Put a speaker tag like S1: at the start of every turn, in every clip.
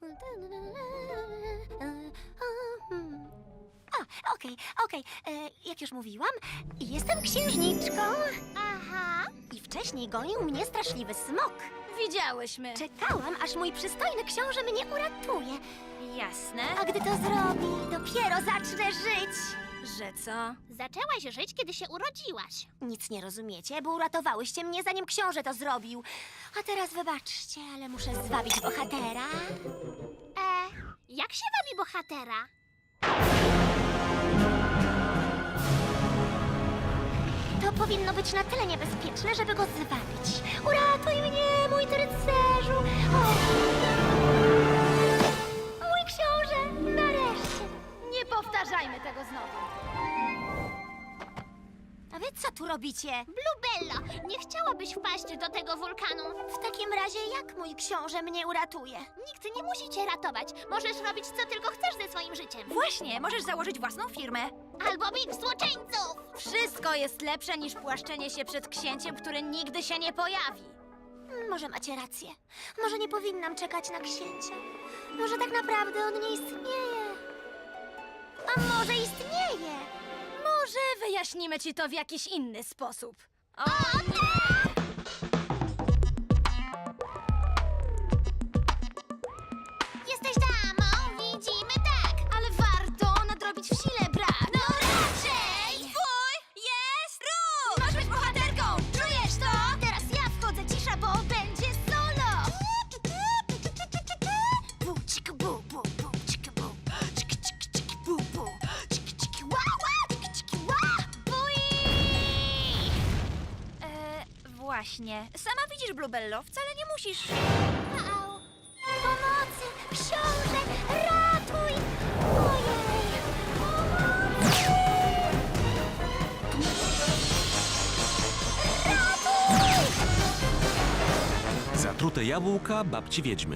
S1: Okej. Jak już mówiłam, jestem księżniczką.
S2: Aha.
S1: I wcześniej gonił mnie straszliwy smok.
S2: Widziałyśmy.
S1: Czekałam, aż mój przystojny książę mnie uratuje.
S2: Jasne.
S1: A gdy to zrobi, dopiero zacznę żyć.
S2: Że co?
S3: Zaczęłaś żyć, kiedy się urodziłaś.
S1: Nic nie rozumiecie, bo uratowałyście mnie, zanim książę to zrobił. A teraz wybaczcie, ale muszę zwabić bohatera.
S3: Jak się wabi bohatera?
S1: To powinno być na tyle niebezpieczne, żeby go zwabić. Uratuj mnie, mój ty rycerzu! O! Mój książę, nareszcie!
S2: Nie powtarzajmy tego znowu.
S1: A wy co tu robicie?
S3: Bluebello, nie chciałabyś wpaść do tego wulkanu?
S1: W takim razie jak mój książę mnie uratuje?
S3: Nikt nie musi cię ratować. Możesz robić, co tylko chcesz ze swoim życiem.
S2: Właśnie, możesz założyć własną firmę.
S3: Albo bić złoczyńców!
S2: Wszystko jest lepsze niż płaszczenie się przed księciem, który nigdy się nie pojawi.
S1: Może macie rację. Może nie powinnam czekać na księcia. Może tak naprawdę on nie istnieje. A może istnieje?
S2: Może wyjaśnimy ci to w jakiś inny sposób. O,
S3: Jesteś damą, widzimy tak.
S2: ale warto nadrobić w sile brak.
S3: No raczej!
S2: Twój jest ruch! Masz być bohaterką! Czujesz to?
S3: Teraz ja wchodzę, cisza, bo będzie solo!
S1: Bu, cik, bu, bu, bu, cik, bu. Cik, cik, cik, bu, bu. Cik, cik, ła, ła, cik, cik, ła.
S2: Właśnie. Sama widzisz, Bluebello, wcale nie musisz.
S1: Au. Pomocy! Książę! Ratuj! Ojej! Pomocy! Ratuj!
S4: Zatrute jabłka babci wiedźmy.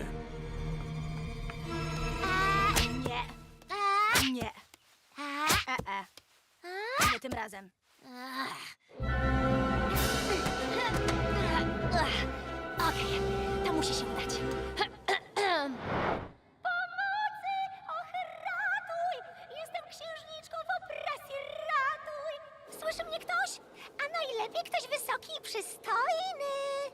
S2: Nie,
S1: A,
S2: nie,
S1: a,
S2: nie tym razem.
S1: Okej, to musi się udać. Pomocy! Och, ratuj! Jestem księżniczką w opresji, ratuj! Słyszy mnie ktoś? A najlepiej ktoś wysoki i przystojny.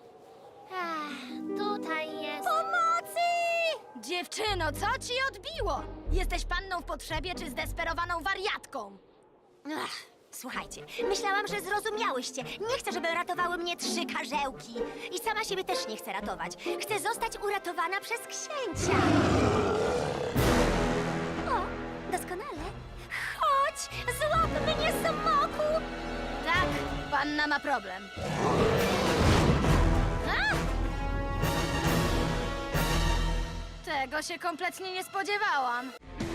S3: Tutaj jest.
S1: Pomocy!
S2: Dziewczyno, co ci odbiło? Jesteś panną w potrzebie czy zdesperowaną wariatką?
S1: Słuchajcie, myślałam, że zrozumiałyście. Nie chcę, żeby ratowały mnie 3 karzełki. I sama siebie też nie chcę ratować. Chcę zostać uratowana przez księcia. O, doskonale. Chodź, złap mnie, smoku!
S2: Tak, panna ma problem.
S1: A!
S2: Tego się kompletnie nie spodziewałam.